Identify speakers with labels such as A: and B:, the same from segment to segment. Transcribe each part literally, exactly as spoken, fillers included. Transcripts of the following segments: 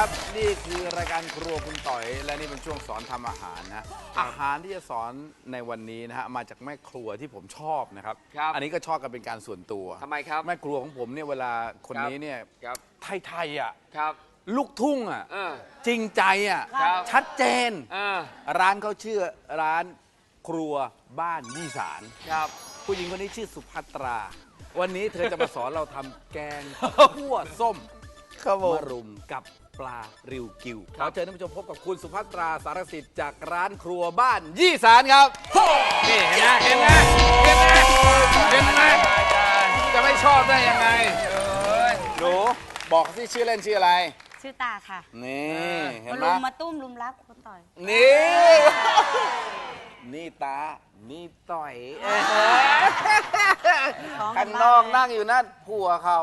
A: ครับนี่คือรายการครัวคุณต่อยและนี่เป็นช่วงสอนทำอาหารนะอาหารที่จะสอนในวันนี้นะฮะมาจากแม่ครัวที่ผมชอบนะครับอันนี้ก็ชอบกันเป็นการส่วนตัว
B: ทำไมครับ
A: แม่ครัวของผมเนี่ยเวลาคนนี้เนี่ยไทยๆอ่ะลูกทุ่งอ่ะจริงใจอ่ะชัดเจนร้านเขาชื่อร้านครัวบ้านยี่สานผู้หญิงคนนี้ชื่อสุภัตราวันนี้เธอจะมาสอนเราทำแกงคั่วส้มมะรุมกับปลาริวกิวขอเชิญท่านผู้ชมพบกับคุณสุภัตราสารสิทธิ์จากร้านครัวบ้านยี่สานครับนี่เห็นไหมเห็นไหมเห็นไหมเห็นไหมจะไม่ชอบได้ยังไงหนูบอกสิชื่อเล่นชื่ออะไร
C: ชื่อตาค่ะ
A: นี่เห็นไหม
C: มาลุมมาตุ้มลุมรักคุณต่อย
A: นี่นี่ตานี่ต่อยข้างนอกนั่งอยู่นั่นผัวเขา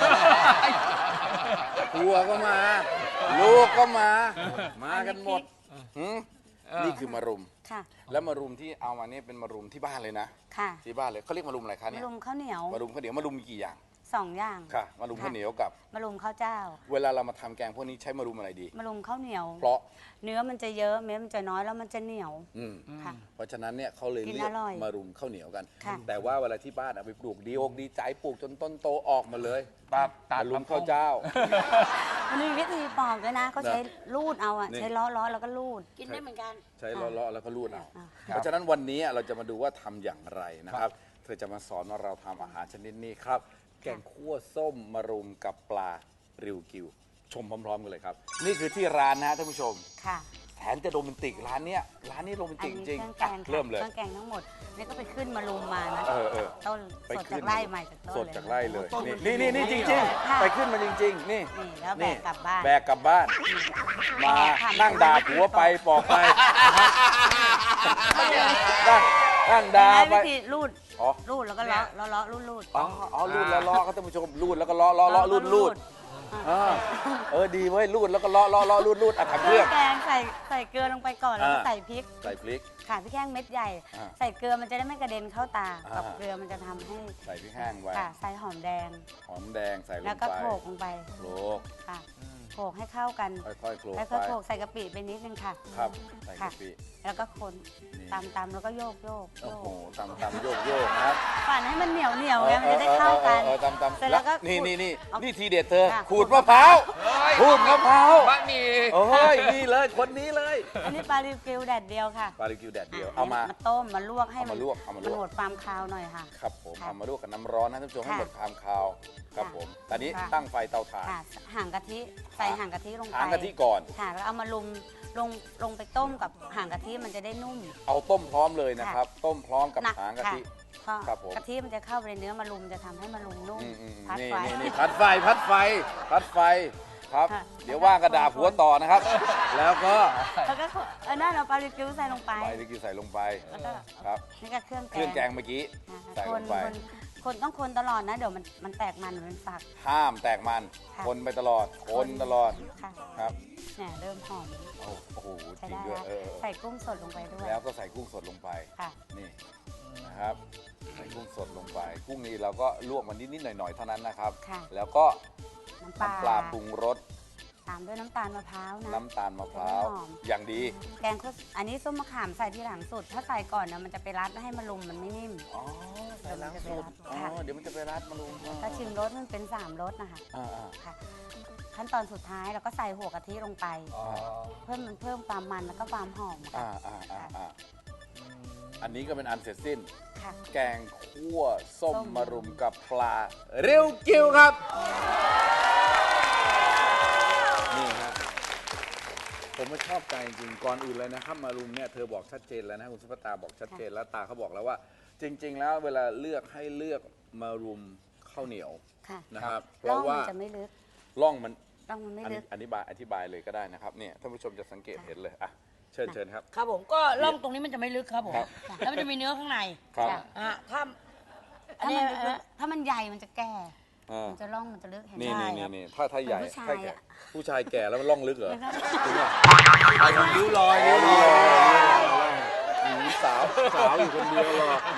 A: ผัวก็มาลูกก็มามากันหมดนี่คือมะรุมแล้วมะรุมที่เอามาเนี่ยเป็นมะรุมที่บ้านเลยนะที่บ้านเลยเขาเรียกมะรุมอะไรคะเนี่ย
C: มะรุมข้าวเหนียว
A: มะรุมข้าวเหนียวมะรุมมีกี่อย่าง
C: สองอย่าง
A: ค่ะมะรุมข้าวเหนียวกับ
C: มะรุมข้าวเจ้า
A: เวลาเรามาทำแกงพวกนี้ใช้มะรุมอะไรดี
C: มะรุมข้าวเหนียว
A: เพราะ
C: เนื้อมันจะเยอะเม็ดมันจะน้อยแล้วมันจะเหนียว
A: ค่ะเพราะฉะนั้นเนี่ยเขาเลยเรียกมะรุมข้าวเหนียวกันแต่ว่าเวลาที่บ้านเอาไปปลูกดีอกดีใจปลูกจนต้นโตออกมาเลยตัดตัดมะรุมข้าวเจ้า
C: มันมีวิธีปอกด้วยนะเขาใช้ลูดเอาอ่ะใช้ล้อล้อแล้วก็ลูดกินได้เหมือนกัน
A: ใช้ล้อล้อแล้วก็ลูดเอาเพราะฉะนั้นวันนี้เราจะมาดูว่าทำอย่างไรนะครับเธอจะมาสอนว่าเราทำอาหารชนิดนี้ครับแกงคั่วส้มมะรุมกับปลาริวกิวชมพร้อมๆกันเลยครับนี่คือที่ร้านนะท่านผู้ชมค่ะแถมจะโรแมนติกร้านเนี้ยร้านนี้โรแมนติกจริงเริ่มเลย
C: เครื่องแกงทั้งหมดนี่ก็ไปขึ้นมะรุมมานะต้นสด
A: จาก
C: ไร่ใหม่จากต้น
A: สดจากไร่เลยนี่นี่นี่จริงๆไปขึ้นมาจริงๆนี่
C: แล้วแบกกลับบ้าน
A: แบกกลับบ้านมานั่งด่าผัวไปปอกไปนั่งด่าไป
C: รูดรูดแล้วก็ล้อล้อล้อรูดรูด
A: อ๋ออ๋อรูดแล้วล้อก็ท่านผู้ชมรูดแล้วก็ล้อล้อล้อรูดรูดเออดีเว้ยรูดแล้วก็ล้อล้อล้อรูดรูดอ่ะทำเครื่อง
C: แกงใส่ใส่เกลือลงไปก่อนแล้วก็ใส่พริก
A: ใส่พริก
C: ค่ะพริกแห้งเม็ดใหญ่ใส่เกลือมันจะได้ไม่กระเด็นเข้าตากับเกลือมันจะทำให้
A: ใส่พริกแห้งไว้
C: ค่ะใส่หอมแดง
A: หอมแดงใส่ลงไป
C: แล้วก็โขลกลงไป
A: โขลก
C: ค่ะโขลกให้เข้ากัน
A: ค่อยๆโขลก
C: แล้วก็โขลกใส่กะปิไปนิดนึงค่ะ
A: ครับใส่กะปิ
C: แล้วก็คนตำตำแล้วก็โยกโยก
A: โอ้โหตำตำโยกโยกนะครับ
C: ปั่นให้มันเหนียวเหนียวไงมันจะได้เข้ากัน
A: ตำตำแล้วก็นี่นี่นี่นี่ทีเด็ดเธอขูดมะพร้าวขูดมะพร้าว
B: บะหมี่
A: โอ้ยนี่เลยคนนี้เลย
C: อันนี้ปลาริวกิวแดดเดียวค่ะ
A: ปลาริวกิวแดดเดียวเอามา
C: มาต้มมาลวกให้
A: มัน
C: มันหมดความคาวหน่อยค่ะ
A: ครับผมเอามาลวกกับน้ำร้อนนะท่านผู้ชมให้หมดความคาวครับผมตอนนี้ตั้งไฟเตาถ่าน
C: ห่างกะทิใส่ห่างกะทิลงไป
A: ห่างกะทิก่อน
C: ค่ะแล้วเอามาลุมลงลงไปต้มกับห่างกะทิมันจะได้นุ่ม
A: เอาต้มพร้อมเลยนะครับต้มพร้อมกับหางกะทิ
C: ครับผมกะทิมันจะเข้าไปในเนื้อมะรุมจะทำให้มะรุมนุ่ม
A: พัดไฟพัดไฟพัดไฟพัดไฟครับเดี๋ยวว่างกระดาผัวต่อนะครับแล้วก็
C: แล้วก็เออนั่นเราปลาลิกิวใส่ลงไป
A: ปลาลิกิวใส่ลงไปครับ
C: นี่ก็เครื่องแกง
A: เครื่องแกงเมื่อกี้ใส่ลงไป
C: คนต้องคนตลอดนะเดี๋ยวมันมันแตกมันมันฝัก
A: ห้ามแตกมันคนไปตลอดคนตลอดครับ
C: เนี่ยเริ่มหอม
A: โอ้โหจริงด้วย
C: ใส่กุ้งสดลงไปด้วย
A: แล้วก็ใส่กุ้งสดลงไปนี่นะครับใส่กุ้งสดลงไปกุ้งนี้เราก็ลวกมันนิดๆหน่อยๆเท่านั้นนะครับแล้วก็น้ำปลาปรุงรส
C: ตามด้วยน้ำตาลมะพร้าวนะ
A: น้ำตาลมะพร้าวอย่างดี
C: แกงอันนี้ส้มมะขามใส่ที่หลังสุดถ้าใส่ก่อนนะมันจะไปรัดให้มะรุมมันไม่นิ่ม
A: อ๋อใส่หลังสุดอ๋อเดี๋ยวมันจะไปรัดมะรุม
C: ถ้าชิมรสมันเป็นสามรสนะคะค่ะขั้นตอนสุดท้ายเราก็ใส่หัวกะทิลงไปเพิ่มมันเพิ่มความมันแล้วก็ความหอม
A: อ่าอ่าอ่าอันนี้ก็เป็นอันเสร็จสิ้นแกงคั่วส้มมะรุมกับปลาเรียวกิวครับนี่ครับผมไม่ชอบใจจริงก่อนอื่นเลยนะครับมารุมเนี่ยเธอบอกชัดเจนแล้วนะคุณสุภัตราบอกชัดเจนแล้วตาเขาบอกแล้วว่าจริงๆแล้วเวลาเลือกให้เลือกมารุมข้าวเหนียวนะครับเพราะว่า
C: จะไม่ลึก
A: ร่องมัน
C: ร่องมันไม่ลึก
A: อธิบายอธิบายเลยก็ได้นะครับเนี่ยท่านผู้ชมจะสังเกตเห็นเลยอ่ะเชิญเชิญครับ
D: ครับผมก็ร่องตรงนี้มันจะไม่ลึกครับผมแล้วมันจะมีเนื้อข้างใน
A: ครับ
D: อ่ะถ้า
C: ถ้ามันถ้ามันใหญ่มันจะแก่มันจะร่องมันจะลึกเห็นไหม
A: นี่นี่นี่ถ้าถ้าใหญ่ถ้าแก่ผู้ชายแก่แล้วมันร่องลึกเหรอจริงป่ะริ้วรอยริ้วรอยสาวสาวอยู่คนเดียวหรอ
C: นี่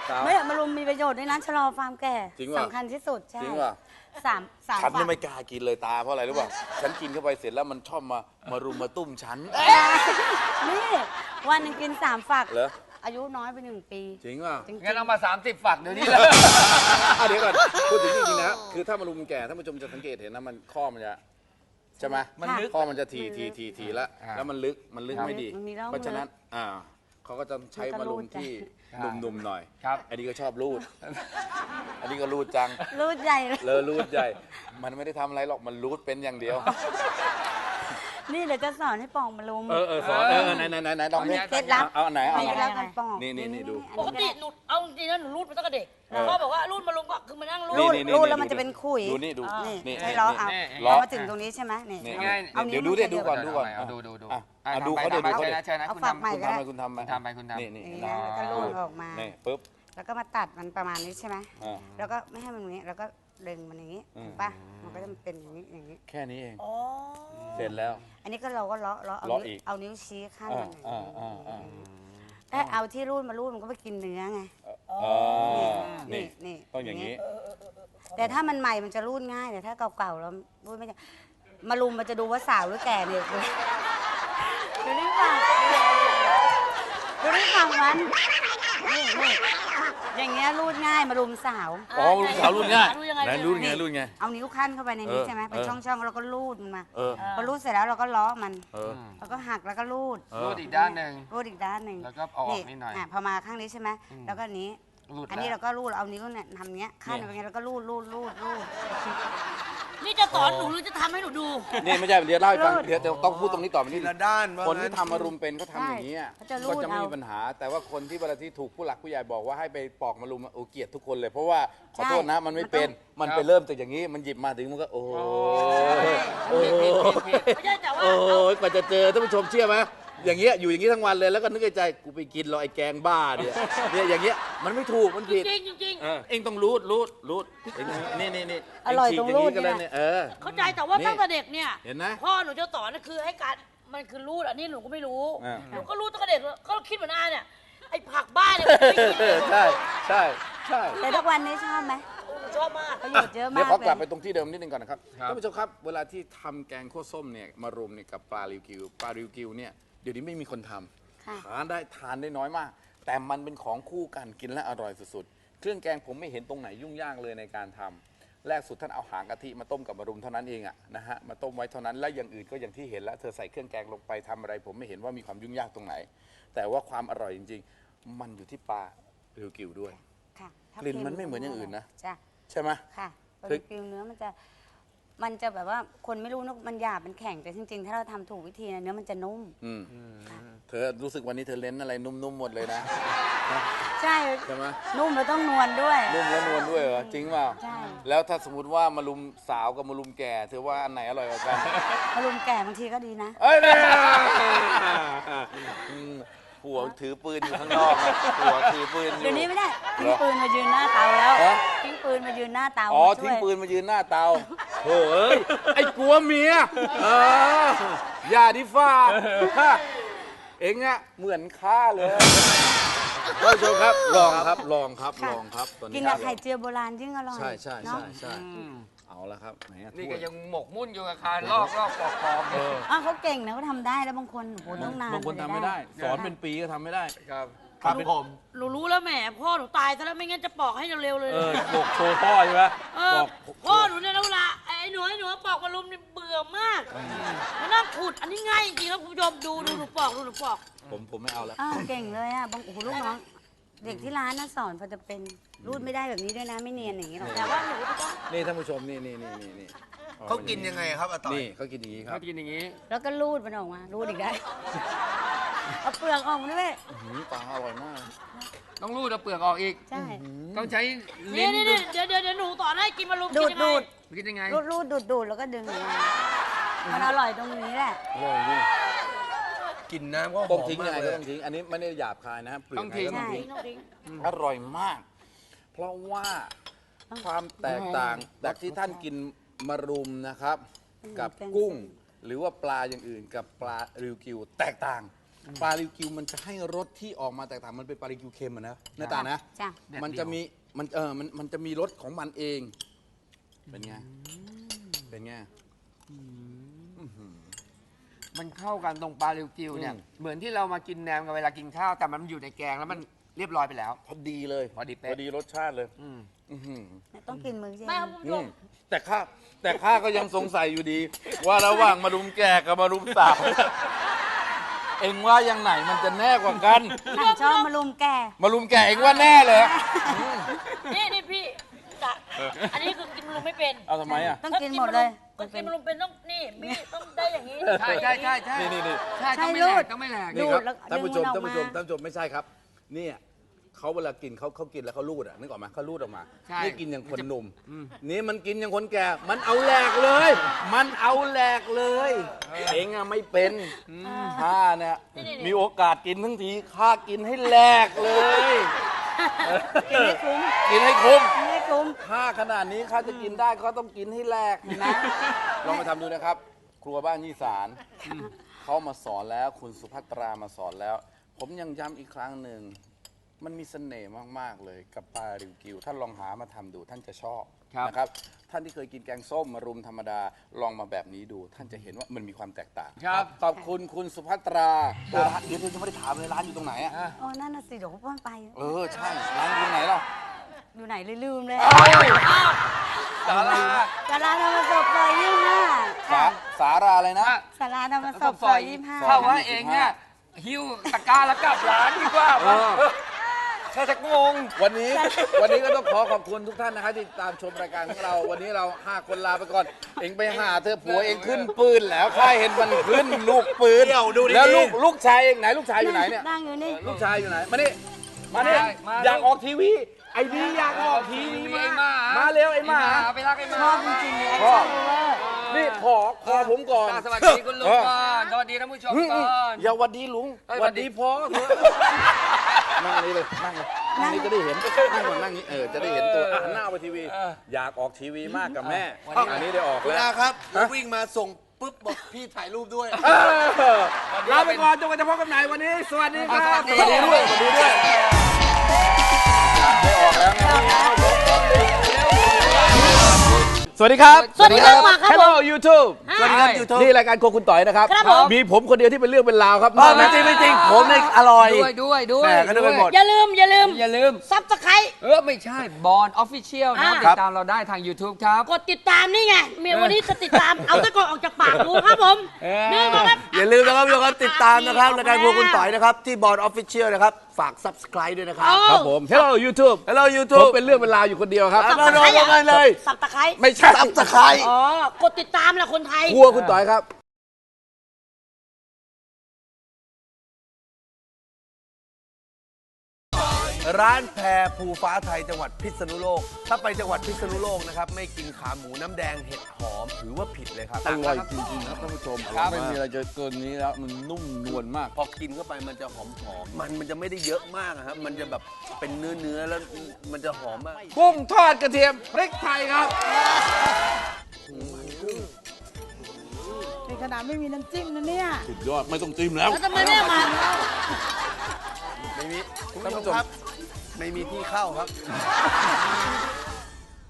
A: สาว
C: ไม่มารุมมีประโยชน์ด้วยนะชะลอความแก่
A: จริงป่ะ
C: สำคัญที่สุดใช่
A: จริงป่ะ
C: สามสาม
A: ฉัน
C: ฝั
A: นี่
C: ก
A: ไม่กล้ากินเลยตาเพราะอะไรรู้ป่ะฉันกินเข้าไปเสร็จแล้วมันชอบมามารุมมาตุ้มฉัน
C: นี่วันหนึงกินสามฝัก
A: เหรอ
C: อายุน้อยไปหนึ่งปี
A: จริงป่ะ
C: จริง
B: งั้นเอามาสามสิบฝักเดี๋ยวนี้เลย
A: อ่ะเดี๋ยวก่อนพูดถึงจริงๆนะคือถ้ามารุมแก่ท่านผู้ชมจะสังเกตเห็นนะมันข้อมันจะใช่ไหม
B: มันลึก
A: ข้อมันจะทีทีทีทีแล้ว
B: อ่า
A: แล้วมันลึกมันลึกไม่ดี
C: มันมีร่อง
A: เพราะฉะนั้นอ่าเขาก็จะใช้มารุมที่หนุ่มๆหน่อย
B: ครับ
A: อันนี้ก็ชอบรูด อันนี้ก็รูดจัง
C: รูดใหญ่เลย
A: เลอรูดใหญ่ มันไม่ได้ทำอะไรหรอกมันรูดเป็นอย่างเดียว
C: นี่เดี๋ยวจะสอนให้ปองมารุม
A: เออเออสอนเออไหนไหนไหนไหนลองดิ
C: เคล็ดลับ
A: เอาอันไหนเอา
C: มี
A: อัน
C: เค
A: ไหน
C: ล็ดลับการปอง
A: นี่นี่นี่ดู
D: ปกติหนูเอาจริงๆนะหนูรูดมาตั้งแต่เด็ก
A: เออ
D: พ่อบอกว่ารูดมาลงก็คือมานั่งรู
C: รู
D: ด
C: ด
A: นี่นี่
C: รูด
A: นี่
C: แล้วมัน
A: ดู
C: จะเป็นขุย
A: ดูนี่ดู
C: นี่
A: นี่
C: ให้ล้อเอา
B: นี่
A: ล้อ
C: เอามาถึงตรงนี้ใช่ไหมนี่
A: นี่
B: ง่าย
C: เอา
A: เดี๋ยว
C: นิ้
A: ดูดิดูก่อน
B: เ
A: ดูก่อน
B: เอาดูดูดู
A: อ่ะ
B: อ่ะ
A: อ่ะดู
B: ทำไป
A: เขาดิดู
B: ทำไป
A: เขาดิ
B: เชิญนะเชิญนะ
C: เอา
B: คุณ
C: ฝัก
B: ทำ
C: ใหม่
A: คุณทำไปคุณทำไป
B: คุณทำไปคุณทำ
A: นี่นี่
C: อย่างเงี้ยแล้วก็รูดออกมา
A: นี่ปุ๊บ
C: แล้วก็มาตัดมันประมาณนี้ใช่ไหม
A: อ่า
C: แล้วก็ไม่ให้มันอย่างนี้ แล้วก็ดึงมันอย่างนี้
A: อืม
C: ถูกป่ะ มันก็จะเป็นอย่างนี้ อย่างนี้
A: แค่นี้เอง
D: อ๋อ
A: เสร็จแล้ว
C: อันนี้ก็เราก็เลาะเลาะเอา
A: เลาะ
C: นิ้
A: อี
C: ว
A: ก
C: เอานิ้วชี้ข้าง
A: อ่า
C: มัน
A: อ่าอ่าอ่า
C: ถ้าเอาที่รูดมารูดมันก็ไปกินเนื้อไง
A: อ๋อนี่
C: นี่
A: ต้องอย่างนี้
C: แต่ถ้ามันใหม่มันจะรูดง่าย แต่ถ้าเก่าๆแล้วรูดไม่ได้มารุมมันจะดูว่าสาวหรือแก่เนี่ยดูนี่ฝั่งดูนี่ฝั่งมันนี่นี่อย่างเงี้ยรูดง่ายมารุมสาว
A: อ๋อรุ่นสาวรุ่นง่าย
D: รูดยังไง
A: ไหนรุ่นไงรุ่นไง
C: เอานิ้วขั้นเข้าไปในนี้
A: เออ
C: ใช่ไหมเป็น
A: เออ
C: ช่องๆแล้วก็รูดมันมา
A: เออ
C: พอรูดเสร็จแล้วเราก็ล้อมัน
A: เออ
C: แล้วก็หักแล้วก็รูด
A: เออ
B: รูดอีกด้านหนึ่ง
C: รูดอีกด้านหนึ่ง
B: แล้วก็เอาออกนิดหน่อย
C: ะพอมาข้างนี้ใช่ไหมแล้วก็อันนี้
B: รูด
C: อันนี้
B: แล้ว
C: เราก็รูดเอานิ้วเนี่ยทำเนี้ยขั้นไปเงี้ยแล้วก็รูดรูดรูดรูด
D: นี่จะสอนหนูหรือจะทำให้หนูดู
A: นี่ไม่ใช่เดี๋ยวเล่าให้ฟัง
C: รูด
A: เดี๋ยวเดี๋ยวต้องพูดตรงนี้ต่อไปนิด
E: ละด้านว่า
A: คนที่
E: งั้น
A: ทำมารุมเป็นเขาทำอย่างนี้อะ
C: เขาจะรูด
A: ก็จะไม่มี
C: เอา
A: ปัญหา แต่ว่าคนที่เวลาที่ถูกผู้หลักผู้ใหญ่บอกว่าให้ไปปอกมารุมอะโอ้เกลียดทุกคนเลย เพราะว่าขอโทษนะมันไม่เป็น มันไปเริ่มจากอย่างนี้ มันหยิบมาถึงมันก็โอ้ยโอ้ย
D: ไม่ใช่แต่ว่า
A: โอ้ยกว่าจะเจอท่านผู้ชมเชื่อไหมอย่างเงี้ยอยู่อย่างนี้ทั้งวันเลยแล้วก็นึกในใจกูไปกินรอไอ้แกงบ้าเนี่ยเนี่ยอย่างเงี้ยมันไม่ถูกมันผิด
D: จริงๆจริง
A: เออเองต้องรูดรูดรูดเองนี่นี่นี่
C: อร่อย
A: เฉีก
C: ตรง
A: ย่า
C: รูด
A: ก็ได้
C: เนี่ย
A: เนี่ยเออ
D: ๆเข้าใจแต่ว่า
A: นี่
D: ตั้งแต่เด็กเนี่ย
A: เห็นไหม
D: พ่อหนูจะสอนนะคือให้การมันคือรูดอันนี้หนูก็ไม่รู้
A: อ่า
D: หนูก็รู้ตั้งแต่เด็กก็คิดเหมือนอาเนี่ยไอ้ผักบ้าเนี่ยผมไม่กิน
A: ใช่ใช่ใช่
C: แต่ทุกวันนี้ชอบไหม
D: หนูชอบมาก
C: ประโยชน์เยอะ
A: เดี๋ย
C: มาว ก
A: ขอกลับ
C: เล
A: ไป
C: ย
A: ตรงที่เดิมนิดนึงก่อนนะครับ
B: ครับ
A: ท่านผู้ชมครับเวลาที่ทำแกงข้าวส้มเนี่ยมารวมเนี่ยกับปลาริวกิวปลาริวกิวเนี่ยเดี๋ยวนี้ไม่มีคนทำ
C: ค่ะ
A: ทานได้ทานได้น้อยมาก แต่มันเป็นของคู่กันกินและอร่อยสุดๆเครื่องแกงผมไม่เห็นตรงไหนยุ่งยากเลยในการทำแรกสุดท่านเอาหางกะทิมาต้มกับมะรุมเท่านั้นเองอะนะฮะมาต้มไว้เท่านั้นและอย่างอื่นก็อย่างที่เห็นแล้วเธอใส่เครื่องแกงลงไปทำอะไร ผมไม่เห็นว่ามีความยุ่งยากตรงไหน แต่ว่าความอร่อยจริงๆ มันอยู่ที่ปลาริวกิวด้วย
C: ค่ะถ้าก
A: ลิ่นมันไม่เหมือนอย่างอื่นนะ
C: จ้ะ
A: ใช่ไหม
C: ค่ะบา
A: คือ
C: ร์บีคิวเนื้อมันจะ มันจะแบบว่าคนไม่รู้นะมันหยาบมันแข็งแต่จริงๆ ถ้าเราทำถูกวิธีนะเนื้อมันจะนุ่ม
A: อืมเธอรู้สึกวันนี้เธอเล่นอะไรนุ่มๆหมดเลยนะ
C: ใช่
A: ใช่ไหม
C: นุ่มแล้วต้องนวลด้วย
A: นุ่มและนวลด้วยเหรอจริงเปล่า
C: ใช่
A: แล้วถ้าสมมติว่ามารุมสาวกับมารุมแก่เธอว่าอันไหนอร่อยกว่ากัน
C: มารุมแก่บางทีก็ดีนะ
A: เอ้ยเนี่ยอืมผัวถือปืนอยู่ข้างนอกนะผัวถือปืนอยู่
C: เดี๋ยวนี้ไม่ได้
A: เหร
C: ทิ้ง
A: อ
C: ปืนมายืนหน้าเตาแล้ว
A: ฮะ
C: ทิ้งปืนมายืนหน้าเตา
A: อ๋อ
C: มาช่วย
A: ทิ้งปืนมายืนหน้าเตาโถ่เอ้ยไอ้กลัวเมียเอออย่าดิฟ้าเอ็งอะเหมือนข้าเลยท่านผู้ชมครับลองครับลองครับลองครับตอนนี้
C: กินกับไข่เจียวโบราณยิ่งอร่อย
A: ใช่ใช่
C: เนาะ
A: ใช่ใช่เอาละครับไหนอะ
B: นี่
A: ถ้
B: ก็
A: วย
B: ยังหมกมุ่นอยู่กับการลอกลอกปอกปอก
A: เออ
C: อ้าวเขาเก่งนะเขาทำได้แล้วบางคนโอ้โหต้องนาน
A: บางคนทำไม่ได้ สอนเป็นปีก็ทำไม่ได้
B: ครับ
A: ครับผม
D: หนูรู้แล้วแหมพ่อหนูตายซะแล้วไม่งั้นจะปอกให้เร็วๆเลย
A: เออบอกโชว์พ่อใช่ไหม
D: เออ
A: บอก
D: พ่อหนูเนี่ยนะเวลาไอ้หนูไอ้หนูปอกมารุมเนี่ยเบื่อมากมานั่งขุดอันนี้ง่ายจริงๆครับคุณผู้ชมดูดูหนูปอกดูหนูปอก
A: ผมผมไม่เอาแล้ว
C: อ้าวเก่งเลยอ่ะบางโอ้โหลูกน้อง เด็กที่ร้านน่ะสอนพอจะเป็นรูดไม่ได้แบบนี้ด้วยนะไม่เนียนอย่างนี้หรอก
D: แต่ว่าหนูจะต้อง
A: นี่ท่านผู้ชมนี่นี่นี่นี่นี่
E: เขากินยังไงครับอาต่อย
A: นี่เขากินอย่างนี้ครั
B: เขา
A: บ
B: กินอย่างนี้
C: แล้วก็รูดมันออกมา รูดอีกได้ เอาเปลือกออกมาด้วย
A: อื้อหือปลาอร่อยมาก
B: ต้องรูดเอาเปลือกออกอีก
C: ใช่
B: ต้องใช้
D: นี่
B: ลิ้น
D: นี่
B: ดู
D: นี่เดี๋ยวเดี๋ยวเดี๋ยวหนูสอนให้กินมารุม
C: ดู
D: กิ
C: ด
D: นยังไง
C: ดูด
B: กินยังไง
C: รูดรูดดูดดูดแล้วก็ดึงออกมามันอร่อยตรงนี้แหละ
A: อร่อยจริง
E: กินน้ำก็ห
A: ต้
E: อ
A: อง
E: ม
A: ทิ้ง
E: มา
A: ยังไง
E: กเล
A: ก็
E: ย
A: ต้องทิ้ง อันนี้ไม่ได้หยาบคายนะเปลือก
B: ต้องทิ้ง
A: ไก็
D: ทิ้งต้องทิ้ง
A: อร่อยมาก เพราะว่าความแตกต่างจากที่ท่านกินมารุมนะครับ กับกุ้ง หรือว่าปลาอย่างอื่นกับปลาริวกิวแตกต่างปลาริวกิวมันจะให้รสที่ออกมาแตกต่างมันเป็นปลาริวกิวเค็มอะนะหน้าตานะ
C: จ้ะ
A: มันจะมีมันเออมันมันจะมีรสของมันเอง เป็นไงเป็นไง
B: มันเข้ากันตรงปลาริวกิวเนี่ย
A: อืม
B: เหมือนที่เรามากินแหนมกันเวลากินข้าว แต่มันอยู่ในแกงแล้วมันเรียบร้อยไปแล้ว
A: พอดีเลย
B: พอดีเป๊ะ
A: พอดีรสชาติเลย
B: อืม
A: อื้อหือ
C: ต้องกินมือใช่ไหม
D: ไม่ครับคุณผู้ช
A: อื
D: ม
A: มแต่ข้าแต่ข้าก็ยังสงสัยอยู่ดี ว่าระหว่างมารุมแก่กับมารุมสาว เอ็งว่ายังไหนมันจะแน่กว่ากัน
C: ฉันชอบมารุมแก
A: มารุมแก่เอ็งว่าแน่เลย
D: นี่นี่พี่จะอันนี้คือกินมะรุมไม่เป็น
A: เอาทำไมอ่ะ
C: ต้องกินหมดเลย
D: ก็กินมะรุมเป็นต้องนี่พี่ต้องได้อย่างนี้
B: ใช่ใช่ใช่ใช่
A: นี่นี่นี่
B: ใช่ต้องไม่
C: ใช่
B: แหล
C: รู
B: ก
C: ด
B: ต้องไม่แหลก
C: ดู
A: นี่ครับ
C: แล้ว
A: ท่านผู้ชม
C: ดึง
A: ท่าน
C: มันออก
A: ผู้ชม
C: มา
A: ท่านผู้ชมไม่ใช่ครับเนี่ยเขาเวลากินเขาเขากินแล้วเขาลูดอ่ะนึกออกไหมเขาลูดออกมา
B: ใช่
A: นี่กินอย่างคนหนุ่ม
B: อืม
A: นี่มันกินอย่างคนแก่ มันเอาแหลกเลย มันเอาแหลกเลยเองอะไม่เป็นข้าเนี่ยมีโอกาสกินทั้งทีข้ากินให้แหลกเลย
C: กินให้คุ้ม
A: กินให้คุ้ม
C: กินให้คุ้ม
A: ข้าขนาดนี้ข้าจะกินได้เขาต้องกินให้แหลกนะลองมาทำดูนะครับ ครัวบ้านยี่สารเขามาสอนแล้วคุณสุภัตรามาสอนแล้ว ผมยังย้ำอีกครั้งหนึ่ง มันมีเสน่ห์มาก ๆ เลยกับปลาริวกิวท่านลองหามาทำดูท่านจะชอบ
B: ครับ
A: นะครับ ท่านที่เคยกินแกงส้มมารุมธรรมดาลองมาแบบนี้ดู ท่านจะเห็นว่ามันมีความแตกต่าง
B: ครับ
A: ขอบคุณคุณสุภัตราเออร้านเดี๋ยวเธอจะไม่ได้ถามเลยร้านอยู่ตรงไหนอะ
B: อ่ะ
C: โอ้นั่นน่ะสิเดี๋ยวเขาพ่นไป
A: เออใช่ร้านอยู่ตรงไหนล่ะ
C: อยู่ไหนเลยลืมเลย
B: สารา
C: สาราธรรมศพซอยยี่สิบห้า
A: สาสาราอะไรนะ
C: สาราธรรมศพซอยยี่สิบห้า
B: เข้าว่าเองเนี่ยหิ้วตะกร้าแล้วกลับร้านดีกว่า
A: เออ
B: แค่จะงง
A: วันนี้วันนี้ก็ต้องขอขอบคุณทุกท่านนะครับที่ตามชมรายการของเรา วันนี้เราห้าคนลาไปก่อน เองไปหาเธอผัวเองขึ้นปืนแล้วข้าเห็นมันขึ้นลูกปืน
E: เดี๋ยวดูดีๆ
A: แล้วลูกลูกชายเองไหนลูกชายอยู่ไหนเนี่ย
C: นั่งอยู่นี่
A: ลูกชายอยู่ไหน มานี่มานี่
B: มา
A: อยากออกทีวี ไอ้ดีอยากออกทีวี
B: ไอ้ห
A: มา
B: มา
A: มาเร็วไอ้หมา
B: ไปรักไอ้หมา
C: ชอบจริงๆเลยแอค
A: พ่อ
C: ชั่นเวอร์
A: นี่ขอขอผมก่อน
B: สวัสดีคุณลุงก่อนสวัสดีท่านผู้ชม
A: อืม
B: ก่อน
A: อย่าหวัดดีลุง
B: เอ้ย
A: หวัดดีพ่อเถอะนั่งนี่เลยนั่งเลยนั่งนี่จะได้เห็นนั่งก่อนนั่งนี้เออจะได้เห็นตัวอ่ะหันหน้าไปทีวี อยากออกทีวีมากกับแม่อันนี้ได้ออก
E: คุณ
A: แล้ว
E: อาครับผมวิ่งมาส่งปุ๊บบอกพี่ถ่ายรูปด้วย
A: เออลาไปก่อนจนกว่าจะพบกันใหม่วันนี้ สวัสดีครับ
B: สวัสดี
A: ด้วยสวัสดีด้วยได้ออกแล้วไงสวัสดีครับ
D: สวัสดีครับมาครับผม
A: Hello YouTube
B: สวัสดีครับ YouTube
A: นี่รายการโครัวคุณต่อยนะครับ
D: ครับผม
A: มีผมคนเดียวที่เป็นเรื่องเป็นราวครับ
E: ไม่จริงไม่จริงผมเนี่ยอร่อย
B: ด้วยด้วยด้วย
E: แหม่ก็นึกไปหมด
D: อย่าลืมอย่าลืม
B: อย่าลืม
D: ซับสไครต์
B: เออ ไม่ใช่บอลออฟฟิเชียลนะ
D: อ่า
B: ติดตามเราได้ทาง YouTube ครับ
D: กดติดตามนี่ไงเมียวันนี้จะติดตาม เอาตะกอนออกจากปากดูครับผม
B: เออ
D: นี่มาครับ
E: อย่าลืมนะครับทุกคนติดตามนะครับรายการพวกคุณต่อยนะครับ ที่บอร์ดออฟฟิเชียลนะครับ ฝาก subscribe ด้วยนะครับ
D: เอา
A: ครับผม Hello YouTube
E: Hello
A: ผม
E: YouTube
A: เป็นเรื่องเป็นราวอยู่คนเดียวครับ
E: มามามามาเลย
D: สับตะไคร้
A: ไม่ใช่
E: subscribe
D: อ๋อกดติดตามแหละคนไทย
A: ครัวคุณต่อยครับ
E: ร้านแพรภูฟ้าไทยจังหวัดพิษณุโลก ถ้าไปจังหวัดพิษณุโลกนะครับ ไม่กินขาหมูน้ำแดงเห็ดหอมถือว่าผิดเลยครับ
A: อร่อยจริงๆครับท่านผู้ชมไม่มีอะไรจะเกินนี้แล้วมันนุ่มนวลมาก
E: พอกินเข้าไปมันจะหอมหอมมันมันจะไม่ได้เยอะมากอะครับ มันจะแบบเป็นเนื้อเนื้อๆแล้วมันจะหอมมาก
A: กุ้งทอดกระเทียมพริกไทยครับ
C: ในขนาดไม่มีน้ำจิ้มนะเนี่ย
A: สุดยอดไม่ต้องจิ้มแล้ว
D: แล้วทำไมไม่เอามา
E: ไม่มีคุณผู้ชมครับ ไม่มีที่เข้าครับ